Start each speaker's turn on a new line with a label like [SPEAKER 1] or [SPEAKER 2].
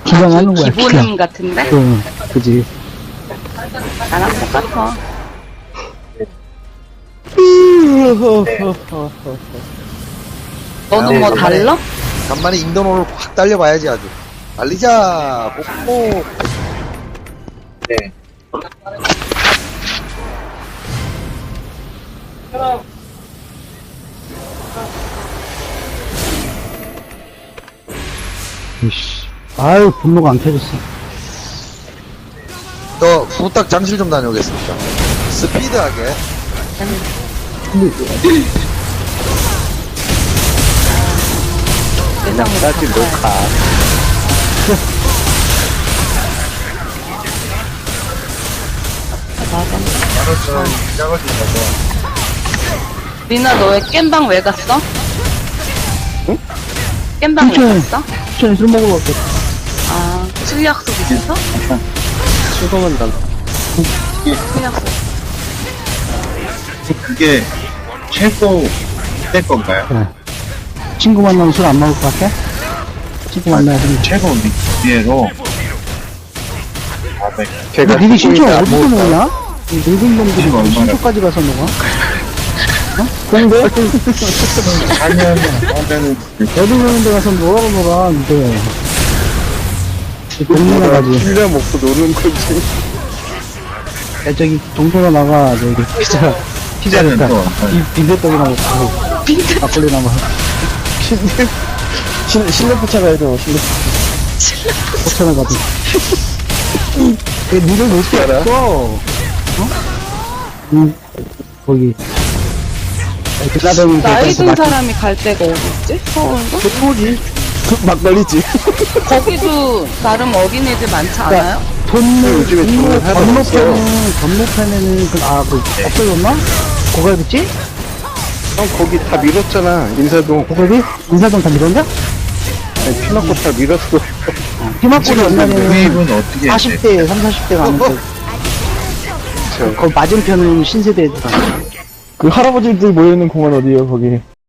[SPEAKER 1] 그냥 하는 거야,
[SPEAKER 2] 기본음
[SPEAKER 1] 그냥.
[SPEAKER 2] 같은데?
[SPEAKER 1] 응, 그지.
[SPEAKER 2] 나랑 똑같아. 너는 뭐 달라?
[SPEAKER 3] 간만에 인도노를 확 달려봐야지 아주. 달리자. 복복.
[SPEAKER 4] 네.
[SPEAKER 1] 이씨. 아유, 분노가 안 켜졌어.
[SPEAKER 3] 저 후딱 장실 좀 다녀오겠습니다. 스피드하게.
[SPEAKER 2] 세상에.
[SPEAKER 4] 나지 녹화.
[SPEAKER 2] 리나 너 왜 깸방 왜 갔어?
[SPEAKER 1] 응?
[SPEAKER 2] 깸방 왜
[SPEAKER 1] 춘천에.
[SPEAKER 2] 갔어?
[SPEAKER 1] 춘천에 술 먹으러 갔겠다.
[SPEAKER 2] 아, 술 약속 있어서?
[SPEAKER 4] 수고만 난.
[SPEAKER 2] 술 약속.
[SPEAKER 5] 그게 최고 될 건가요?
[SPEAKER 1] 그래. 친구 만나면 술 안 먹을 것 같아? 친구 만나면.
[SPEAKER 5] 최고 기회로 400.
[SPEAKER 1] 근데 니네 신청 어디서 먹냐? 이 늙은 놈들이
[SPEAKER 5] 이거 얼마나-
[SPEAKER 1] 신청까지 가서 먹어? 어? 공대?
[SPEAKER 5] 하면은
[SPEAKER 1] 여덟 명인데 가서 뭐라고 놀아, 근데. 이 동네나 가지.
[SPEAKER 4] 신뢰 먹고 노는 거지.
[SPEAKER 1] 야, 저기, 동네나 나가, 저기, 피자,
[SPEAKER 5] 피자는
[SPEAKER 1] 피자,
[SPEAKER 5] 또
[SPEAKER 1] 빈대떡이나 먹고, 막걸리나 먹어.
[SPEAKER 4] 실내포차 가야 돼,
[SPEAKER 1] 포천에 가도. 왜 니를 못
[SPEAKER 4] 알아?
[SPEAKER 1] 써? 어? 거기. 그나대는
[SPEAKER 2] 나이 든 사람이 갈 데가 어딨지? 서울도?
[SPEAKER 1] 그거지.
[SPEAKER 4] 막걸리지.
[SPEAKER 2] 거기도 나름 어린애들 많지 않아요?
[SPEAKER 1] 돈을,
[SPEAKER 4] 요즘에 돈을 하나도
[SPEAKER 1] 건너편에는, 없어졌나? 고갈비지?
[SPEAKER 4] 형, 거기 다 밀었잖아, 인사동.
[SPEAKER 1] 고갈비? 인사동 다 밀었냐?
[SPEAKER 4] 아니, 피 맞고 다 밀었어.
[SPEAKER 1] 피막골이 옛날에는
[SPEAKER 5] 구입은 어떻게
[SPEAKER 1] 40대, 30, 40대가 아는데, 거기 맞은편은 신세대 애들.
[SPEAKER 6] 그 할아버지들 모여있는 공원 어디에요, 거기?